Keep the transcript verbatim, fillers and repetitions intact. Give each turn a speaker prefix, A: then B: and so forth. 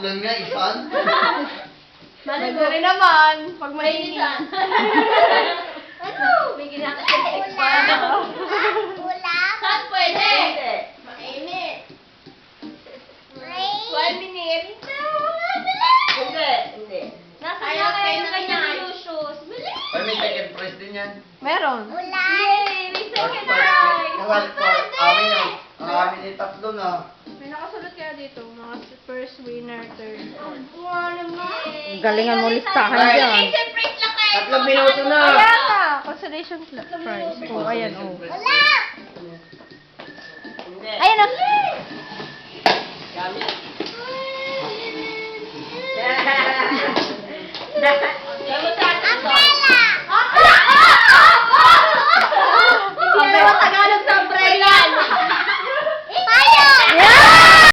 A: Tatlong nga, isan.
B: Madali naman. Pag mainitan.
C: Ano? May ginagawa pa.
D: Ulam.
C: Saan pwede?
B: Hindi.
C: Mainit.
D: Rain.
C: One minute.
B: Hindi. Hindi.
C: Nasa
B: Ayaw
C: na kayo
B: kayo
C: ng
B: na
C: kanyang
B: yan.
C: lucius. Bilis!
A: Ay, may second prize din yan.
B: Meron.
D: Ulam.
C: Yay! May second
A: First
C: prize!
A: Kasali ko, amin na. Ang amin ay tatlo na.
B: May nakasulot kaya dito. Mga first winner, third, fourth.
C: Wow naman!
E: Galingan mo listahan
A: Ay.
E: dyan.
C: Consolation prize lang kayo!
A: Tatlong minuto na.
B: Kaya nga. Consolation pla- prize. Oh, ayan, oh.
D: Ulam.
B: Hindi.
E: Ayan o.
B: Gamit.